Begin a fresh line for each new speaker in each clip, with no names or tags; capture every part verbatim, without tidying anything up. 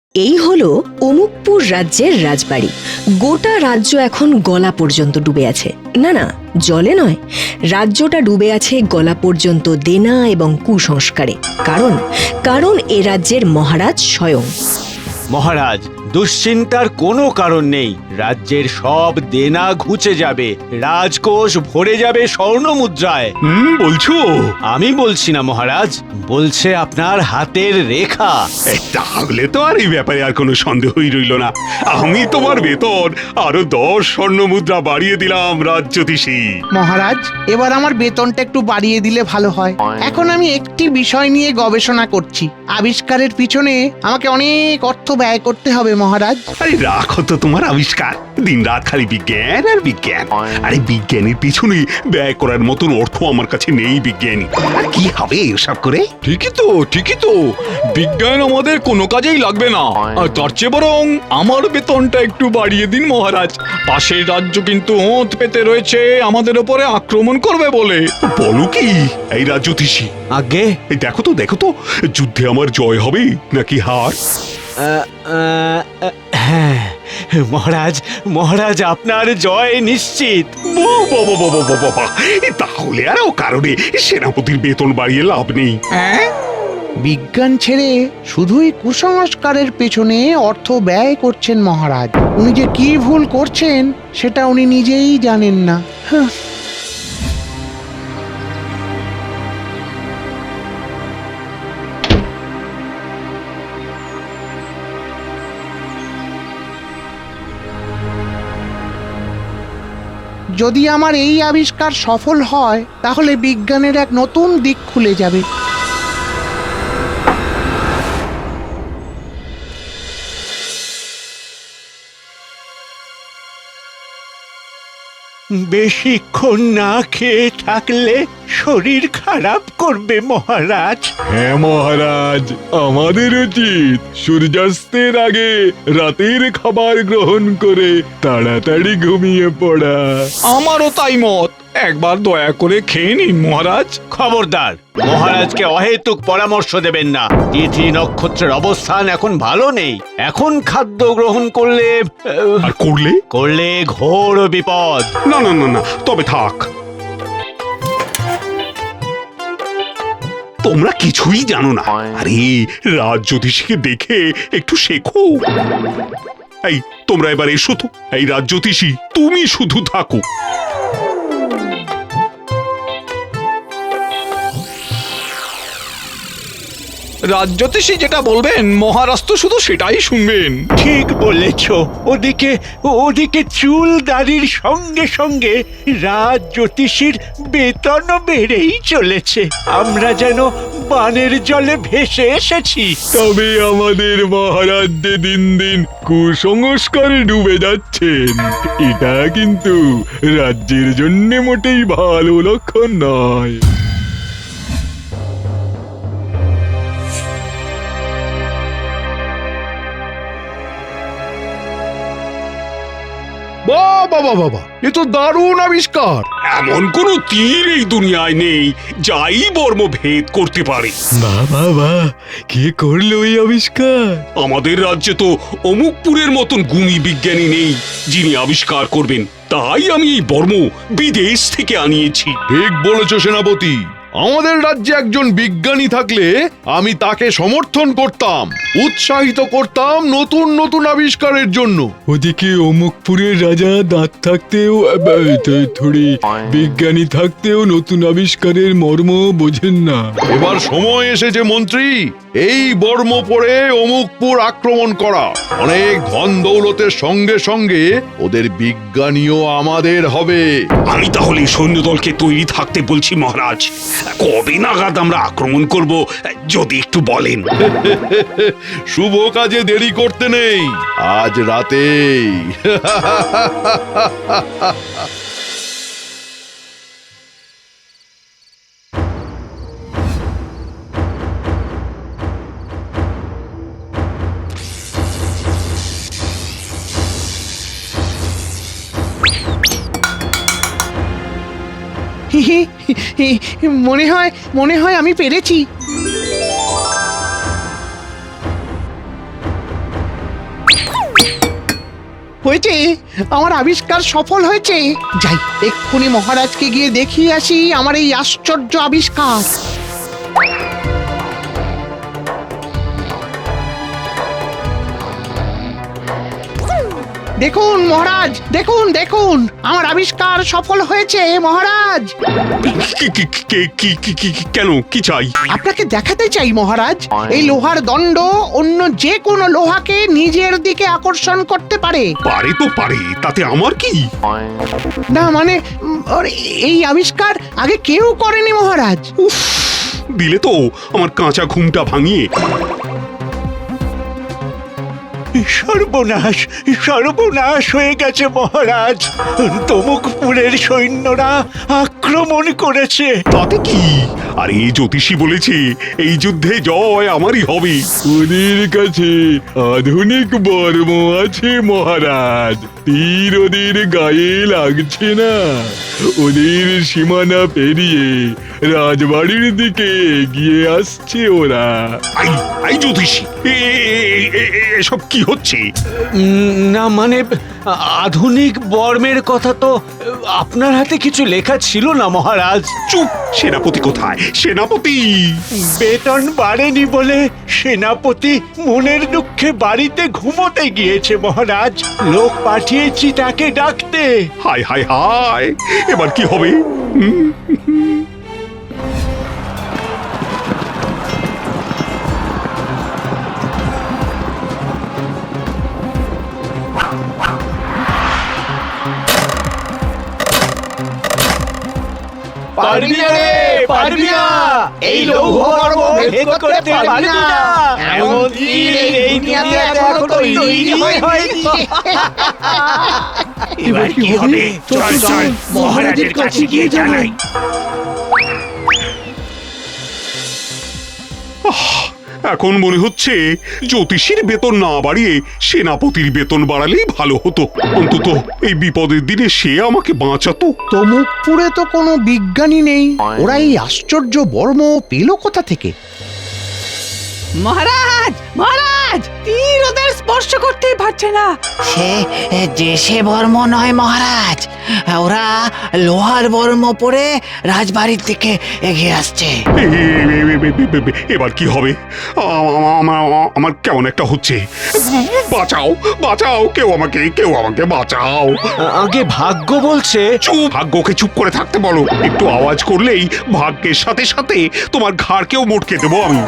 এই হলো অমুকপুর রাজ্যের রাজবাড়ি। গোটা রাজ্য এখন গলা পর্যন্ত ডুবে আছে। না না, জলে নয়, রাজ্যটা ডুবে আছে গলা পর্যন্ত দেনা এবং কুসংস্কারে। কারণ কারণ এ রাজ্যের মহারাজ স্বয়ং।
মহারাজ, দুশ্চিন্তার কোনো কারণ নেই। রাজ্যের সব দেনা ঘুচে যাবে, রাজকোষ ভরে যাবে স্বর্ণ মুদ্রায়।
হুম বলছো?
আমি বলছি না মহারাজ, বলছে আপনার হাতের রেখা।
এই তাহলে তো আর এই ব্যাপারে আর কোনো সন্দেহই রইল না। আমি তোমার বেতন আরো দশ স্বর্ণ মুদ্রা বাড়িয়ে দিলাম রাজ্যোতিষী।
মহারাজ, এবার আমার বেতনটা একটু বাড়িয়ে দিলে ভালো হয়। এখন আমি একটি বিষয় নিয়ে গবেষণা করছি। আবিষ্কারের পিছনে আমাকে অনেক অর্থ ব্যয় করতে হবে মহারাজ।
আরে রাখো তো তোমার আবিষ্কার, দিন রাত খালি বিজ্ঞান আর বিজ্ঞান। আরে বিজ্ঞানের পিছনে ব্যয় করার মতন অর্থ আমার কাছে নেই বিজ্ঞানী। আর কি হবে এসব করে?
ঠিকই তো ঠিকই তো বিজ্ঞান আমাদের কোনো কাজেই লাগবে না। আর তার চেয়ে বরং আমার বেতনটা একটু বাড়িয়ে দিন মহারাজ। পাশের রাজ্য কিন্তু ওঁত পেতে রয়েছে আমাদের উপরে আক্রমণ করবে বলে।
বলো কি এই রাজ্যোতিষী?
আগে
এই দেখো তো দেখো তো, যুদ্ধে আমার জয় হবে নাকি হার?
হ্যাঁ মহারাজ, মহারাজ আপনার জয় নিশ্চিত।
বাবা, বাবা, বাবা, বাবা, এ তাহলে আর ও কারণে সেনাপতির বেতন বাড়িয়ে লাভ নেই।
বিজ্ঞান ছেড়ে শুধুই কুসংস্কারের পেছনে অর্থ ব্যয় করছেন মহারাজ। উনি যে কি ভুল করছেন সেটা উনি নিজেই জানেন না। হাহ। যদি আমার এই আবিষ্কার সফল হয় তাহলে বিজ্ঞানের এক নতুন দিক খুলে যাবে।
বেশিক্ষণ না খেয়ে থাকলে শরীর খারাপ করবে মহারাজ।
হ্যাঁ মহারাজ, আমাদের উচিত সূর্যাস্তের আগে রাতের খাবার গ্রহণ করে তাড়াতাড়ি ঘুমিয়ে পড়া। আমারও তাই মত। একবার দয়া করে খেয়ে নিন মহারাজ।
খবরদার, মহারাজকে অহেতুক পরামর্শ দেবেন না। তিথি নক্ষত্রের অবস্থান এখন ভালো নেই। এখন খাদ্য গ্রহণ করলে আহ,
আর করলে?
করলে ঘোর বিপদ।
না না না না, তবে থাক। তোমরা কিছুই জানো না। আরে রাজ্যোতিষীকে দেখে একটু শেখো। এই তোমরা এবার এসো তো। এই রাজ্যোতিষী, তুমি শুধু থাকো।
রাজ্যোতিষী যেটা বলবেন মহারাজ তো শুধু সেটাই শুনবেন।
ঠিক বলেছ। ওদিকে ওদিকে চুল দাড়ির সঙ্গে সঙ্গে রাজ জ্যোতিষীর বেতনও বেড়েই চলেছে। আমরা যেন বানের জলে ভেসে এসেছি।
তবে আমাদের মহারাজ যে দিন দিন কুসংস্কারে ডুবে যাচ্ছেন, এটা কিন্তু রাজ্যের জন্য মোটেই ভালো লক্ষণ নয়।
বাবা বাবা বাবা, এ তো দারুণ আবিষ্কার।
এমন কোন তীর এই দুনিয়ায় নেই যাই বর্ম ভেদ করতে পারে।
বাবা বা কে করলো এই আবিষ্কার?
আমাদের রাজ্যে তো অমুকপুরের মতন গুণী বিজ্ঞানী নেই যিনি আবিষ্কার করবেন। তাই আমি এই বর্ম বিদেশ থেকে আনিয়েছি।
ঠিক বলেছ সেনাপতি। আমাদের রাজ্যে একজন বিজ্ঞানী থাকলে আমি তাকে সমর্থন করতাম, উৎসাহিত করতাম নতুন নতুন আবিষ্কারের জন্য।
ওদিকে অমুকপুরের রাজা দাঁত থাকতেও থোড়ি বিজ্ঞানী থাকতেও নতুন আবিষ্কারের মর্ম বোঝেন না।
এবার সময় এসেছে মন্ত্রী, এই বর্ম পরে অমুকপুর আক্রমণ করা। অনেক ধন দৌলতের সঙ্গে সঙ্গে ওদের বিজ্ঞানীও আমাদের হবে।
আমি তাহলে সৈন্যদলকে তৈরি থাকতে বলছি মহারাজ। কবে নাগাদ আমরা আক্রমণ করব যদি একটু বলেন?
শুভ কাজে দেরি করতে নেই, আজ রাতেই।
মনে হয় মনে হয় আমি পেরেছি। হয়েছে, আমার আবিষ্কার সফল হয়েছে। যাই, এক্ষুনি মহারাজকে গিয়ে দেখিয়ে আসি আমার এই আশ্চর্য আবিষ্কার। দেখুন মহারাজ, দেখুন দেখুন, আমার আবিষ্কার সফল হয়েছে মহারাজ।
কি- কি- কি- কি- কি- কি- কি- কেন কি চাই?
আপনাকে দেখাতে চাই মহারাজ, এই লোহার দণ্ড অন্য যে কোনো লোহাকে নিজের দিকে আকর্ষণ করতে পারে।
পারে তো পারে, তাতে আমার কি?
না মানে উম, ওর এই আবিষ্কার আগে কেউ করেনি মহারাজ।
উফ, দিলে তো আমার কাঁচা ঘুমটা ভাঙিয়ে।
সর্বনাশ, সর্বনাশ হয়ে গেছে মহারাজ। তমুকপুরের সৈন্যরা আক্রমণ করেছে।
তাতে কি? আর এই জ্যোতিষী বলেছে এই যুদ্ধে জয় আমারই হবে।
ওদের কাছে আধুনিক বর্ম আছে মহারাজ, তীর ওদের গায়ে লাগছে না। ওদের সীমানা পেরিয়ে রাজবাড়ির দিকে এগিয়ে আসছে ওরা।
আই আই জ্যোতিষী, এ- এ- এ- এ- এসব কি হচ্ছে?
উম, না মানে আধুনিক বর্মের কথা তো আপনার হাতে কিছু লেখা ছিল না মহারাজ।
চুপ! সেনাপতি কোথায়? সেনাপতি!
বেতন বাড়েনি বলে সেনাপতি মনের দুঃখে বাড়িতে ঘুমোতে গিয়েছে মহারাজ। লোক পাঠিয়েছি তাকে ডাকতে।
হায় হায় হায়, এবার কি হবে? হুম?
পারবি না রে, পারবি না। এই লৌহ বর্ম ভেদ করতে পারবি না। এমন তীর এই দুনিয়াতে এখনো তৈরি হয়নি। এবার কি হবে? চল চল মহারাজের কাছে গিয়ে জানাই।
এখন মনে হচ্ছে জ্যোতিষীর বেতন না বাড়িয়ে সেনাপতির বেতন বাড়ালেই ভালো হতো। অন্তত এই বিপদের দিনে সে আমাকে বাঁচাতো।
তমুকপুরে তো কোনো বিজ্ঞানী নেই, ওরা এই আশ্চর্য বর্ম পেল কোথা থেকে?
মহারাজ মহারাজ, তীর ওদের স্পর্শ করতেই পারছে না। সে দেশে বর্ম নয় মহারাজ, ওরা লোহার বর্ম পরে রাজবাড়ির দিকে এগিয়ে আসছে।
এ- এ- এ- এ- এ- এ- এ- এবার কি হবে? আ- আমার আমার কেমন একটা হচ্ছে। বাঁচাও, বাঁচাও, কেউ আমাকে, কেউ আমাকে বাঁচাও।
আগে ভাগ্য বলছে
চুপ! ভাগ্যকে চুপ করে থাকতে বলো। একটু আওয়াজ করলেই ভাগ্যের সাথে সাথে তোমার ঘাড়কেও মোটকে দেবো আমি।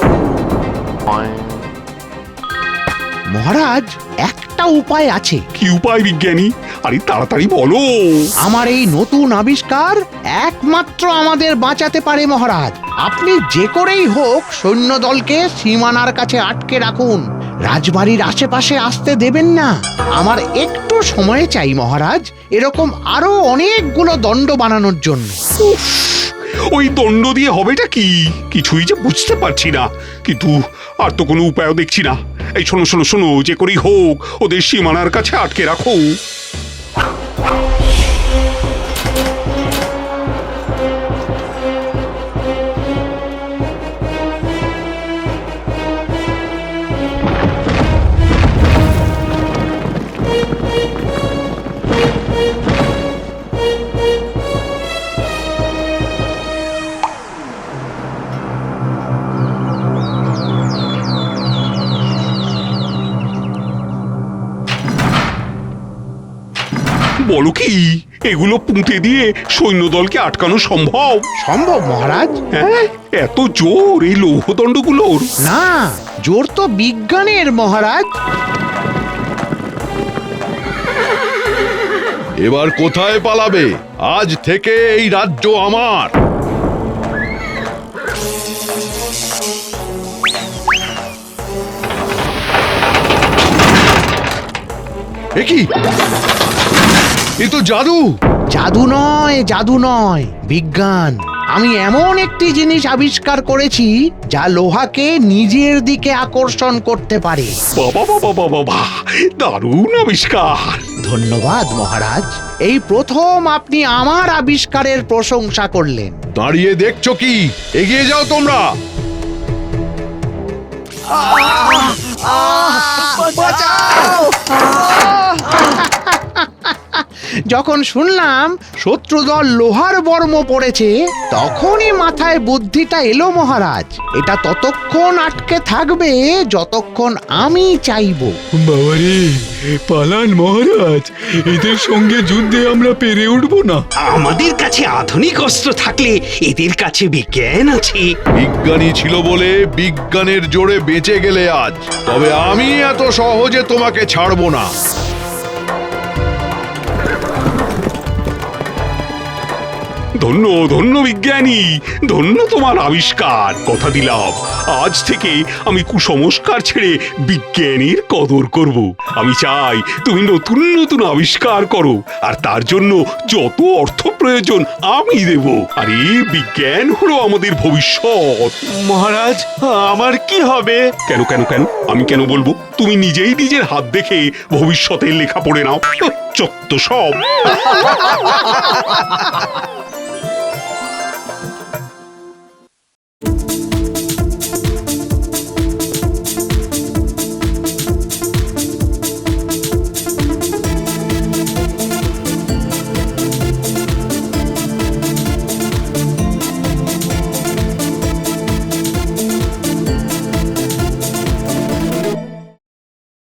মহারাজ, একটা উপায় আছে।
কি উপায় বিজ্ঞানী? আরে তাড়াতাড়ি বলো।
আমার এই নতুন আবিষ্কার একমাত্র আমাদের বাঁচাতে পারে মহারাজ। আপনি যে করেই হোক সৈন্যদলকে সীমানার কাছে আটকে রাখুন, রাজবাড়ির আশেপাশে আসতে দেবেন না। আমার একটু সময় চাই মহারাজ, এরকম আরো অনেকগুলো দণ্ড বানানোর জন্য।
উফ, ওই দণ্ড দিয়ে হবেটা কি? কিছুই যে বুঝতে পারছি না। কিন্তু আর তো কোনো উপায়ও দেখছি না। এই শোনো শোনো শোনো, যে করেই হোক ওদের সীমানার কাছে আটকে রাখো। বলো কি, এগুলো পুঁতে দিয়ে সৈন্যদলকে আটকানো সম্ভব?
সম্ভব মহারাজ।
হ্যাঁ, এত জোর এই লৌহদণ্ডগুলোর?
না, জোর তো বিজ্ঞানের মহারাজ।
এবার কোথায় পালাবে? আজ থেকে এই রাজ্য আমার। এ কি? এ তো জাদু।
জাদু নয়, জাদু নয়, বিজ্ঞান। আমি এমন একটি জিনিস আবিষ্কার করেছি যা লোহাকে নিজের দিকে আকর্ষণ করতে পারে।
বাবা বাবা বাবা বাবা, দারুণ আবিষ্কার।
ধন্যবাদ মহারাজ, এই প্রথম আপনি আমার আবিষ্কারের প্রশংসা করলেন।
দাঁড়িয়ে দেখছো কি? এগিয়ে যাও তোমরা।
বাঁচাও! যখন শুনলাম শত্রুদল লোহার বর্ম পড়েছে তখনই মাথায় বুদ্ধিটা এলো মহারাজ। এটা ততক্ষণ আটকে থাকবে যতক্ষণ আমি চাইবো।
বাবারে, পালান মহারাজ, এদের সঙ্গে যুদ্ধে আমরা পেরে উঠবো না।
আমাদের কাছে আধুনিক অস্ত্র থাকলে এদের কাছে বিজ্ঞান আছে।
বিজ্ঞানী ছিল বলে বিজ্ঞানের জোরে বেঁচে গেলে আজ, তবে আমি এত সহজে তোমাকে ছাড়বো না।
ধন্য ধন্য বিজ্ঞানী, ধন্য তোমার আবিষ্কার। কথা দিলাম আজ থেকে আমি কুসংস্কার ছেড়ে বিজ্ঞানীর কদর করব। আমি চাই তুমি নতুন নতুন আবিষ্কার করো, আর তার জন্য যত অর্থ প্রয়োজন আমি দেব। আরে বিজ্ঞান হলো আমাদের ভবিষ্যৎ।
মহারাজ, আমার কি হবে?
কেন কেন কেন আমি কেন বলবো? তুমি নিজেই নিজের হাত দেখে ভবিষ্যতের লেখা পড়ে নাও। চত্ব সব।